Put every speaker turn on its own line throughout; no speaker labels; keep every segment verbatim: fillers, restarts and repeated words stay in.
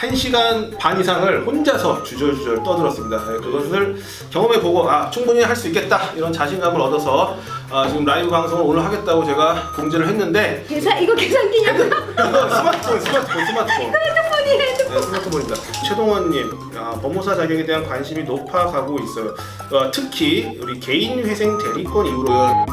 한 시간 반 이상을 혼자서 주절주절 떠들었습니다. 예, 그것을 경험해보고 아 충분히 할 수 있겠다 이런 자신감을 얻어서 아, 지금 라이브 방송을 오늘 하겠다고 제가 공지를 했는데
계산 이거 계산기냐고요?
이거 스마트폰 스마트폰 스마트폰
핸드폰이 핸드폰.
네, 스마트폰입니다. 최동원님, 아, 법무사 자격에 대한 관심이 높아가고 있어요. 어, 특히 우리 개인회생 대리권 이후로요.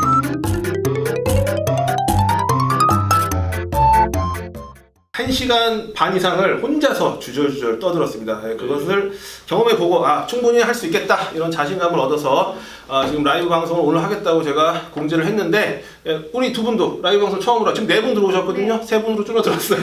한 시간 반 이상을 혼자서 주절주절 떠들었습니다. 예, 그것을 경험해보고 아 충분히 할 수 있겠다 이런 자신감을 얻어서 아, 지금 라이브 방송을 오늘 하겠다고 제가 공지를 했는데 예, 우리 두 분도 라이브 방송 처음으로 지금 네 분 들어오셨거든요. 세 분으로 줄어들었어요.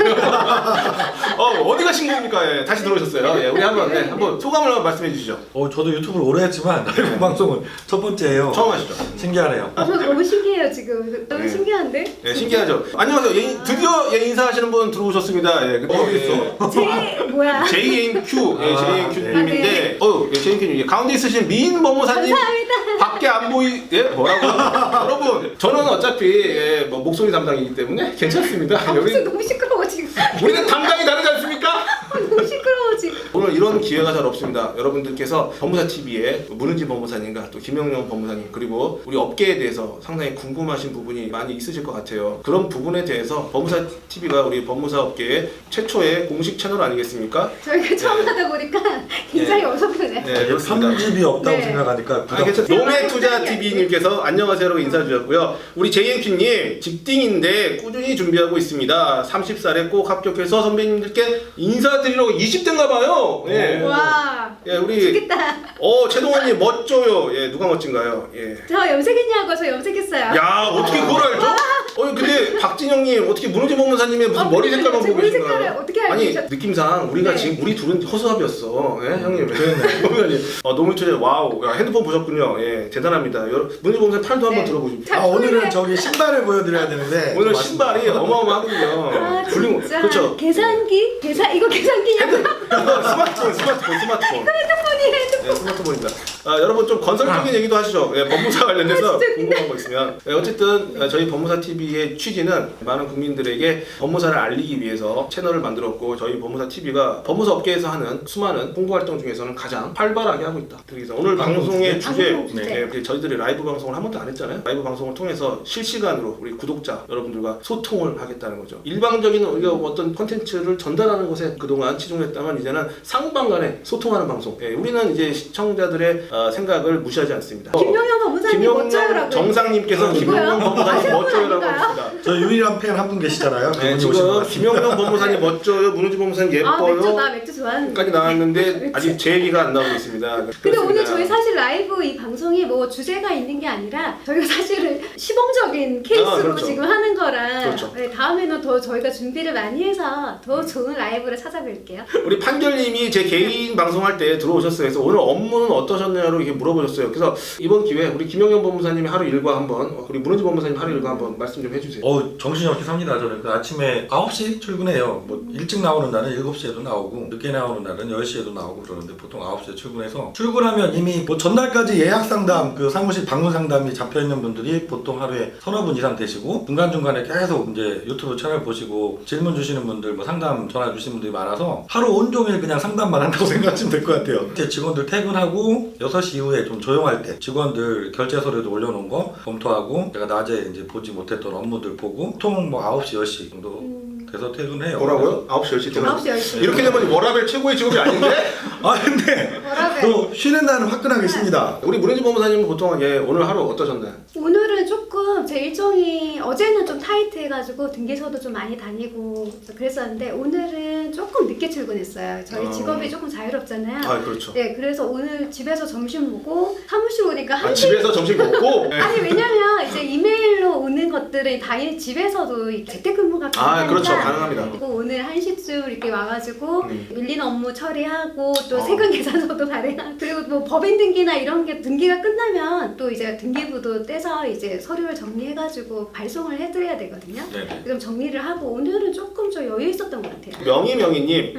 어, 어디 가신 겁니까? 예, 다시 들어오셨어요. 예, 우리 한번 네, 한번 소감을 한번 말씀해 주시죠.
어, 저도 유튜브를 오래 했지만 라이브 방송은 첫 번째예요.
처음 하시죠?
신기하네요.
저 너무 신기해요 지금. 너무
네.
신기한데?
예, 신기하죠. 안녕하세요. 예, 드디어 예, 인사하시는 분 들어오셨습니다. 예, 근데
어디
예,
있어?
제 뭐야?
제이엔큐, 예,
아,
제이엔큐님인데,
네.
어, 예, 제이엔큐님 가운데 있으신 미인 법무사님
감사합니다.
밖에 안 보이, 예, 뭐라고? 여러분, 저는 어차피 예, 뭐 목소리 담당이기 때문에 괜찮습니다.
아, 무슨
여기
너무 시끄러워 지금.
우리는 담당이 다르지 않습니까?
아, 너무 시끄러워 지금.
오늘 이런 기회가 잘 없습니다. 여러분들께서 법무사 티비에 문은지 법무사님과 또 김영영 법무사님 그리고 우리 업계에 대해서 상당히 궁금하신 부분이 많이 있으실 것 같아요. 그런 부분에 대해서 법무사 티비가 우리 법무사 업계의 최초의 공식 채널 아니겠습니까?
저희가 처음
네.
하다 보니까 굉장히 어설프네.
네, 그렇습니다.
삼집이 없다고
네.
생각하니까
아,
부담.
괜찮 노매투자티비님께서 안녕하세요라고 인사 주셨고요. 우리 제이엔큐님 직딩인데 꾸준히 준비하고 있습니다. 서른 살에 꼭 합격해서 선배님들께 인사드리려고 이십 대인가 봐요. 예.
와.
예, 우리
좋겠다.
어 최동원님 멋져요. 예, 누가 멋진가요? 예.
저 염색했냐고 저 염색했어요.
야 어떻게 그걸 알죠? 어 근데 박진영님 어떻게 문은지 법무사님의 무슨
어,
머리
근데
색깔만
제
보고
머리
계신가요?
색깔을 어떻게 알고
아니
계셨-
느낌상 우리가
네.
지금 우리 둘은 허수아비였어. 예, 형님. 법무사님. 어 너무 초대 와우. 야, 핸드폰 보셨군요. 예, 대단합니다. 여러분 문은지 법무사님 팔도 한번
네.
들어보십시오.
자,
아, 오늘은
소리를-
저기 신발을 보여드려야 되는데.
오늘
좀
신발이 어마어마하거든요.
아
훌륭-
진짜.
그렇죠.
계산기? 계산 이거 계산기냐고?
스마트폰, 스마트폰, 스마트폰.
핸드폰이 핸드폰.
네, 스마트폰입니다. 아, 여러분 좀 건설적인 얘기도 하시죠. 예, 법무사 관련해서
아, 진짜
궁금한 거 있으면. 예, 어쨌든 어, 저희 법무사 티비의 취지는 많은 국민들에게 법무사를 알리기 위해서 채널을 만들었고 저희 법무사 티비가 법무사 업계에서 하는 수많은 홍보 활동 중에서는 가장 활발하게 하고 있다. 그래서 오늘
방송
방송의
주제?
주제,
방송 주제.
예, 우리 저희들이 라이브 방송을 한 번도 안 했잖아요. 라이브 방송을 통해서 실시간으로 우리 구독자 여러분들과 소통을 하겠다는 거죠. 일방적인 우리가 어떤 콘텐츠를 전달하는 것에 그동안 치중했다면 이제는 상방간에 소통하는 방송. 예, 우리는 이제 시청자들의 어, 생각을 무시하지 않습니다.
김영영 법무사님 멋져요라고.
김영영 정상님께서
아,
김영영
누구요?
법무사님
아시는 분
멋져요라고
아닌가요?
합니다.
저 유일한 팬 한 분 계시잖아요.
네,
그분이 오신 것
지금
같습니다.
김영영 법무사님 멋져요, 문은지 법무사님
아 맥주
예뻐요.
나 맥주 좋아하는.
까지 나왔는데 아직 제 얘기가 안 나오고 있습니다.
근데
그렇습니다.
오늘 저희 사실 라이브 이 방송이 뭐 주제가 있는 게 아니라 저희가 사실은 시범적인 케이스로
아, 그렇죠.
지금 하는 거라
그렇죠.
네, 다음에는 더 저희가 준비를 많이 해서 더 좋은 라이브를 찾아뵐게요.
우리 판결님이 제 개인 방송할 때 들어오셨어요. 그래서 오늘 업무는 어떠셨나요? 이렇게 물어보셨어요. 그래서 이번 기회에 우리 김영영 법무사님이 하루 일과 한번, 우리 문은지 법무사님 하루 일과 한번 말씀 좀 해주세요.
어, 정신이 없게 삽니다. 저는 그 아침에 아홉 시 출근해요. 뭐 일찍 나오는 날은 일곱 시에도 나오고 늦게 나오는 날은 열 시에도 나오고 그러는데 보통 아홉 시에 출근해서 출근하면 이미 뭐 전날까지 예약 상담, 그 사무실 방문 상담이 잡혀 있는 분들이 보통 하루에 서너 분 이상 되시고 중간중간에 계속 이제 유튜브 채널 보시고 질문 주시는 분들, 뭐 상담 전화 주시는 분들이 많아서 하루 온종일 그냥 상담만 한다고 생각하시면 될 것 같아요. 제 직원들 퇴근하고 여섯 시 이후에 좀 조용할 때 직원들 결제 서류도 올려놓은 거 검토하고 제가 낮에 이제 보지 못했던 업무들 보고 보통 뭐 아홉 시, 열 시 정도
음.
돼서 퇴근해요.
뭐라고요? 아홉 시, 열 시 퇴근.
아홉 시 열 시.
이렇게 되면 워라벨 최고의 직업이 아닌데?
아 근데
뭐라고요?
또 쉬는 날은 화끈하게 있습니다.
우리 문은지 법무사님은 보통 예, 오늘 하루 어떠셨나요?
오늘은 조금 제 일정이 어제는 좀 타이트해가지고 등기소도 좀 많이 다니고 그랬었는데 오늘은 조금 늦게 출근했어요. 저희
아.
직업이 조금 자유롭잖아요.
아 그렇죠.
네, 그래서 오늘 집에서 점심 먹고 사무실 오니까
아,
한 시.
집에서 점심 먹고 예.
아니 왜냐면 이제 이메일로 오는 것들은 다 집에서도 재택근무가 가능하니까.
아 그렇죠 가능합니다.
그리고 오늘 한 시쯤 이렇게 와가지고
음.
밀린 업무 처리하고 또
어.
세금 계산서도 발행하고 그리고 뭐 법인 등기나 이런 게 등기가 끝나면 또 이제 등기부도 떼서 이제 서류를 정리해가지고 발송을 해드려야 되거든요.
네.
그럼 정리를 하고 오늘은 조금 좀 여유 있었던 것 같아요.
명희명희님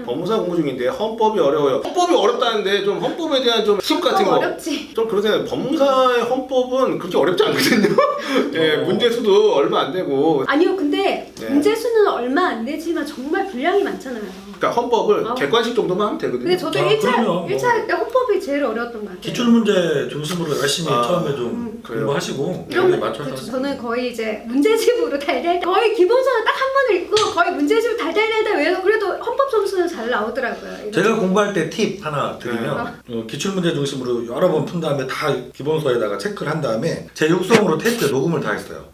음.
법무사 공부 중인데 헌법이 어려워요. 헌법이 어렵다는데 좀 헌법에 대한 좀 팁 같은 거.
어렵지.
좀 그러세요. 법무사의 헌법은 그렇게 어렵지 않거든요. 예, 문제수도 얼마 안 되고.
아니요, 근데
네.
문제수는 얼마 안 되지만 정말 분량이 많잖아요.
그러니까 헌법을
아.
객관식 정도만 하면 되거든요.
근데 저도
아,
일 차
그럼요. 뭐.
일 차 때 헌법이 제일 어려웠던 것 같아요.
기출문제 중심으로 열심히
아,
처음에 좀
음,
그래요?
공부하시고
이런
거기에
거
맞춰서
그, 저는 거의 이제 문제집으로 달달 거의 기본서는 딱 한 번을 읽고 거의 문제집 달달달달 외워서 그래도 헌법 점수는 잘 나오더라고요. 이거.
제가 공부할 때 팁 하나 드리면
네.
어, 기출문제 중심으로 여러 번 푼 다음에 다 기본서에다가 체크를 한 다음에 제 육성으로 테이프에 녹음을 다 했어요.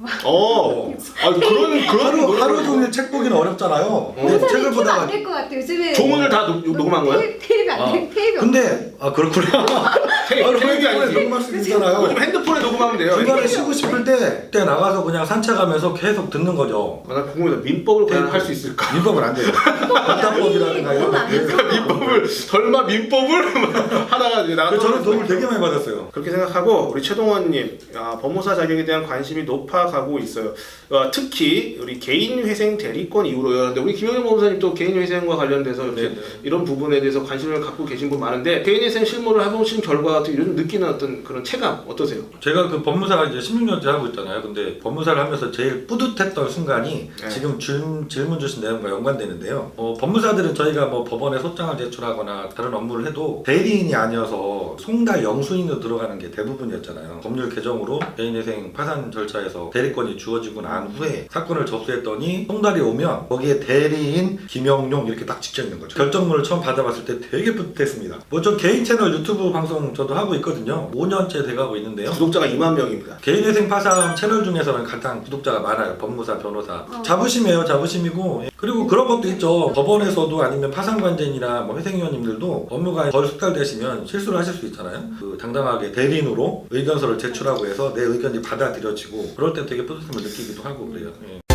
어. 아, 그런 그런
하루,
노력을
하루 종일 책 보기는 어렵잖아요. 근데 책을
책을
보다가
안될 것 같아요. 요즘에
조문을 다 녹- 녹음한 거예요?
테이프, 테이프 안
아,
돼. 테이프
근데 아 그렇구나.
테이프,
아,
테이프이 아니지.
녹음할 수 있잖아요.
요즘 핸드폰에 녹음하면 돼요.
중간에 쉬고 싶을 때 그때 나가서 그냥 산책하면서 계속 듣는 거죠.
아, 나 궁금해서 민법을 과연 할 수 있을까?
민법은 안 돼요. 법답법이라든가 이런
그건 안
것들.
해서.
민법을 설마 민법을 하다가 이제 나가.
그래서 저는 도움을 되게 많이 받았어요.
그렇게 생각하고 우리 최동원님 아, 법무사 자격에 대한 관심이 높아가고 있어요. 어, 특히 우리 개인회생 대리권 이후로였는데 우리 김영현 법무사님도 개인회생과 관련돼서 이렇게
네네.
이런 부분에 대해서 관심을 갖고 계신 분 많은데 개인회생 실무를 해보신 결과 같은 요즘 느끼는 어떤 그런 체감 어떠세요?
제가 그 법무사가 이제 십육 년째 하고 있잖아요. 근데 법무사를 하면서 제일 뿌듯했던 순간이
네.
지금 질, 질문 주신 내용과 연관되는데요. 어, 법무사들은 저희가 뭐 법원에 소장을 제출하거나 다른 업무를 해도 대리인이 아니어서 송달 영수인으로 들어가는 게 대부분이었잖아요. 법률 개정으로 개인회생 파산 절차에서 대리권이 주어지고 난 후에 사건을 접수했더니 송달이 오면 거기에 대리인 김영용 이렇게 딱 찍혀 있는 거죠. 결정문을 처음 받아봤을 때 되게 뿌듯했습니다. 뭐 저 개인 채널 유튜브 방송 저도 하고 있거든요. 오 년째 돼가고 있는데요.
구독자가 이만 명입니다.
개인회생 파산 채널 중에서는 가장 구독자가 많아요. 법무사, 변호사.
어.
자부심이에요, 자부심이고. 예. 그리고 그런 것도 있죠. 법원에서도 아니면 파산관제인이나 뭐 회생위원님들도 업무가 덜 숙달되시면 실수를 하실 수 있잖아요. 그 당당하게 대리인으로 의견서를 제출하고 해서 내 의견이 받아들여지고 그럴 때 되게 뿌듯함을 느끼기도 하고 그래요. 예.